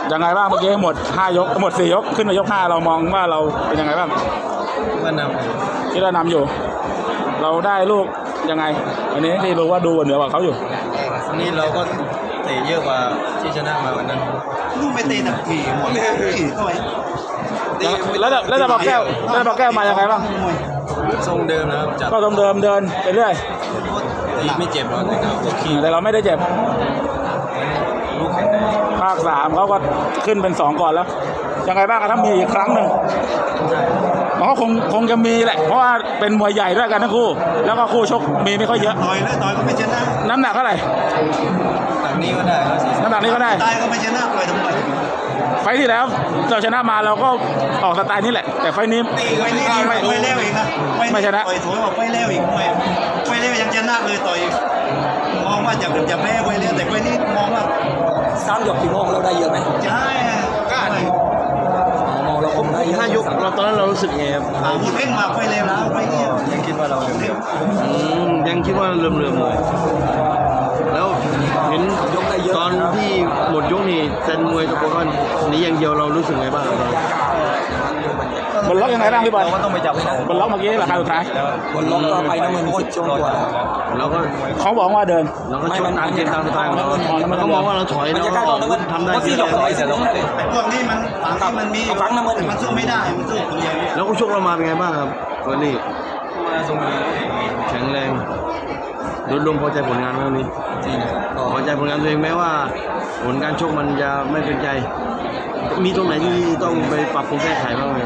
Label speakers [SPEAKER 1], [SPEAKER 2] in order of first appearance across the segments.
[SPEAKER 1] ยังไงบ้างเมื่อกี้หมด5 ยกหมด4 ยกขึ้นมายก 5เรามองว่าเราเป็นยังไงบ้าง
[SPEAKER 2] ว่านำ
[SPEAKER 1] ที่เรานำอยู่ เราได้ลูกยังไงวันนี้ที่รู้ว่าดูเหนือกว่าเขาอยู่
[SPEAKER 2] วันนี้เราก็เตะเยอะกว่าที่ชนะมาวันนั้น
[SPEAKER 3] ลูกไม่เตะหนักทีหมดเลยเข้าไป
[SPEAKER 1] แล้วจะบอกแก้วมายังไงบ้าง
[SPEAKER 2] ทรงเดิมนะครับจับ
[SPEAKER 1] ก็ทรงเดิมเดินไปเรื่อย
[SPEAKER 2] ไม่เจ็บหรอก
[SPEAKER 1] แต่เราไม่ได้เจ็บ
[SPEAKER 2] ลูกแข็งแรง
[SPEAKER 1] ภาค3เขาก็ขึ้นเป็น2ก่อนแล้วยังไงบ้างถ้ามีอีกครั้งหนึ่งมันก็คงจะมีแหละเพราะว่าเป็นมวยใหญ่ด้วยกันทั้งคู่แล้วก็คู่ชกมีไม่ค่อยเยอะ
[SPEAKER 3] ต่อยก็ไม่ชนะ
[SPEAKER 1] น้ำหนักเท่าไหร่
[SPEAKER 2] น้ำหนักนี้ก็ได้
[SPEAKER 1] น้ำหนักนี้ก็ได้
[SPEAKER 3] ตายก็ไม่ชนะต่อยทำไม
[SPEAKER 1] ไฟที่แล้วเราชนะมาเราก็ออกสไตล์นี้แหละแต่ไฟนี้
[SPEAKER 3] ไม่เร็วอีกนะ
[SPEAKER 1] ไม่ชนะ
[SPEAKER 3] ต่อยถอยออกไม่เร็วอีกไม่เร็วยังชนะเลยต่อยมองว่าจะแพ้ไปเร็วแต่ไฟนี้มองว่า
[SPEAKER 4] 3 ยกที่มองเราได้เยอะไหม
[SPEAKER 3] ใช่
[SPEAKER 4] ก็มองเราคงได้
[SPEAKER 2] 5 ยกเราตอนนั้นเรารู้สึกไงครับ
[SPEAKER 3] พูดเพ่งมาไฟเร็วแล้วไฟนี้
[SPEAKER 2] ยังคิดว่าเรายังคิดว่าเริ่มเลยแล้วเห็นตอนที่หมดยกนี่เซนมวยตะโกนว่านี้อย่างเดียวเรารู้สึกไงบ้าง
[SPEAKER 1] บนล็อกยังไงบ้างพี่บอล
[SPEAKER 2] ก็ต้องไปจับบ
[SPEAKER 1] นล็อกเมื่อกี้ราคาสุดท้าย
[SPEAKER 4] บนล็อกก็ไปน้ำมัน10 ช่วงกว่า
[SPEAKER 2] เราก็
[SPEAKER 1] เขาบอกว่าเดิน
[SPEAKER 2] เราก็ชกตามเกมตามสไตล์ของเราเขามองว่าเราถอยแล้วทำได้
[SPEAKER 4] ที่ยกต่อยเสร็จแล้ว
[SPEAKER 3] พวกนี้มันมีมันสู้ไม่ได้มันสู้คนเดียว
[SPEAKER 2] แล้วก็ชกเรามาเป็นไงบ้างครับวันนี้มาทรงแข็งแรงโดยรวมพอใจผลงานไหมวันนี้พอใจผลงานตัวเองแม้ว่าผลการชกมันจะไม่เป็นใจมีตรงไหนที่ต้องไปปรับปรุงแก้ไขบ้างไหม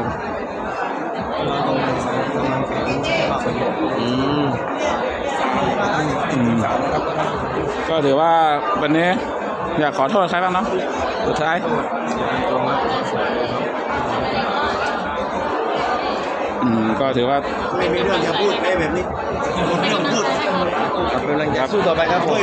[SPEAKER 1] ก็ถือว่าวันนี้อยากขอโทษใครบ้างเนาะสุดท้ายก็ถือว่า
[SPEAKER 3] ไม่มีเรื่องจะพูดแบบนี้ไม่ต้องพูด
[SPEAKER 2] ครับเป็นแรงใจสู้ต่อไปครับผม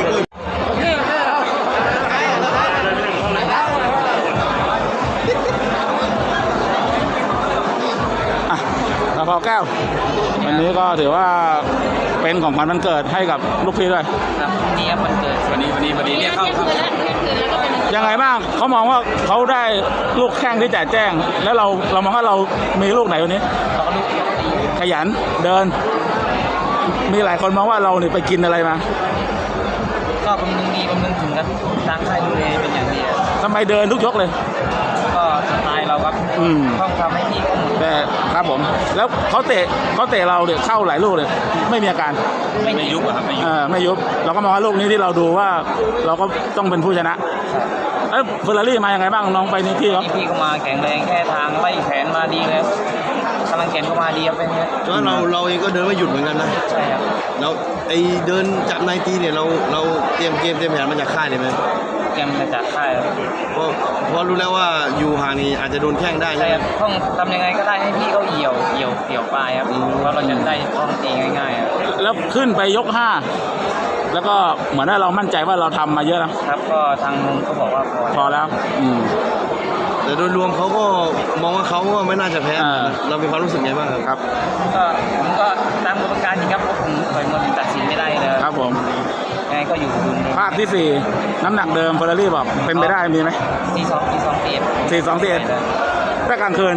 [SPEAKER 1] พอแก้ววันนี้ก็ถือว่าเป็นของขวัญวันเกิดให้กับลูกพี่ด้วย
[SPEAKER 4] ครับนี้วันเกิด
[SPEAKER 2] วันนี้เรียกเข้าครับ
[SPEAKER 1] ยังไงบ้างเขามองว่าเขาได้ลูกแข้งที่แจ่แจ้งแล้วเรามองว่าเรามีลูกไหนวันนี้ขยันเดินมีหลายคนมองว่าเราเนี่ยไปกินอะไรมา
[SPEAKER 4] ก็บำรุงดีบำรุงถึงกันทางค่ายดูแลเป็นอย่างดี
[SPEAKER 1] ทำไมเดินทุกยกเลย
[SPEAKER 4] ก็สไตล์เราครับต้องทำให้พี่
[SPEAKER 1] แต่ครับผมแล้วเขาเตะเราเนี่ยเข้าหลายลูกเลยไม่มีอาการ
[SPEAKER 2] ไม่ยุบครับ
[SPEAKER 1] ไม่ยุบเราก็มองว่าลูกนี้ที่เราดูว่าเราก็ต้องเป็นผู้ชนะแล้วเฟอร์รารี่มายังไงบ้างน้องไปนี่พี่
[SPEAKER 4] ก็มาแข็งแรงแค่ทางไล่แขนมาดีแล้วกำลังแขนก็มาดีครับเป็นไง
[SPEAKER 2] เพราะเราเองก็เดินไม่หยุดเหมือนกันนะ
[SPEAKER 4] ใช่ครับ
[SPEAKER 2] เราไอเดินจับในตีเนี่ยเราเตรียมเกมเตรียมแผนมาจากค่ายเลยไหม
[SPEAKER 4] เตรียมมาจากค่าย
[SPEAKER 2] เพราะรู้แล้วว่าอยู่ห่างนี้อาจจะโดนแข้งได้
[SPEAKER 4] ใช่ครับต้องทำยังไงก็ได้ให้พี่เขาเหี่ยวปลายครับเพราะเราจะได้ต้องตีง่ายๆ
[SPEAKER 1] แล้วขึ้นไปยก5แล้วก็เหมือนว่าเรามั่นใจว่าเราทำมาเยอะ
[SPEAKER 4] นะครับก็ทางนู้นเขาบอกว่า
[SPEAKER 1] พอแล้ว
[SPEAKER 2] แต่โดยรวมเขาก็มองว่าเขาก็ไม่น่าจะแพ้เรามีความรู้สึกไงบ้าง
[SPEAKER 1] ครับ
[SPEAKER 4] ผมก็ตามกรรมการจริงครับผมต่อยมวยตัดสินไม่ได้เลย
[SPEAKER 1] ครับผม
[SPEAKER 4] ไงก็อยู่
[SPEAKER 1] ภาคที่4น้ำหนักเดิมเฟอร์รารี่บอกเป็นไปได้มีไหม
[SPEAKER 4] 42
[SPEAKER 1] ถ้ากลางคืน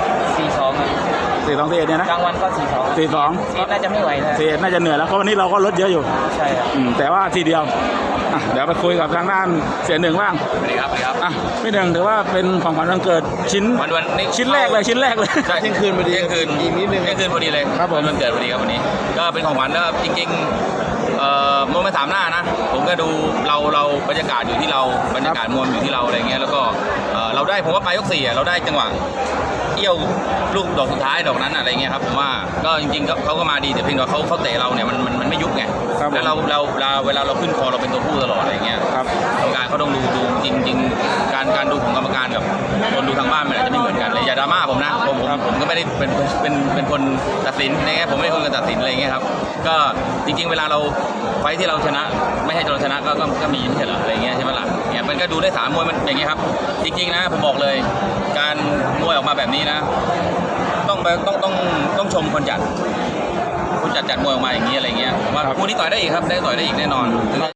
[SPEAKER 1] 42เนี่ยนะ
[SPEAKER 4] กลางวันก็42น่าจะไม่ไหวนะ
[SPEAKER 1] น่าจะเหนื่อยแล้วเพราะวันนี้เราก็ลดเยอะอยู่
[SPEAKER 4] ใช่ครับ
[SPEAKER 1] แต่ว่าทีเดียวเดี๋ยวไปคุยกับทางด้านเสียหนึ่งบ้าง
[SPEAKER 2] สวัสดีครับ
[SPEAKER 1] พี่หนึ่งถือว่าเป็นของขวัญวันเกิดชิ้นแรกเลย
[SPEAKER 2] ใช่เที่ยงคืนพอดีอีกนิดนึงเที่ยงคืนพอดีเลย
[SPEAKER 1] ครับ
[SPEAKER 2] วันเกิดพอดีครับวันนี้ก็เป็นของขวัญแล้วจริงๆมวยมา3 หน้านะผมก็ดูเราบรรยากาศอยู่ที่เราบรรยากาศมวยอยู่ที่เราอะไรเงี้ยแล้วก็เราได้ผมว่าปลายยก4เราได้จังหวะเอี้ยวลูกดอกสุดท้ายดอกนั้นอะไรเงี้ยครับผมว่าก็จริงๆเขาก็มาดีแต่เพียงแต่เขาเตะเราเนี่ยมันไม่ยุบไงแล้วเราเวลาเราขึ้นคอเราเป็นตัวผู้ตลอดอะไรเงี้ยกรรมการเขาต้องดูจริงๆการดูของกรรมการกับคนดูทางบ้านมันอาจจะไม่เหมือนกันเลยอย่าดราม่าผมนะผมก็ไม่ได้เป็นคนตัดสินอะไรเงี้ยผมไม่ใช่คนตัดสินอะไรเงี้ยครับก็จริงๆเวลาเราไฟที่เราชนะไม่ให้เราชนะก็มีไม่ใช่เหรออะไรเงี้ยใช่ไหมล่ะเนี่ยมันก็ดูได้3 มวยมันอย่างเงี้ยครับจริงๆนะผมบอกเลยการมวยออกมาแบบนี้นะต้องชมคนจัดมวยออกมาอย่างนี้อะไรเงี้ยว่าคู่นี้ต่อยได้อีกครับได้ต่อยได้อีกแน่นอน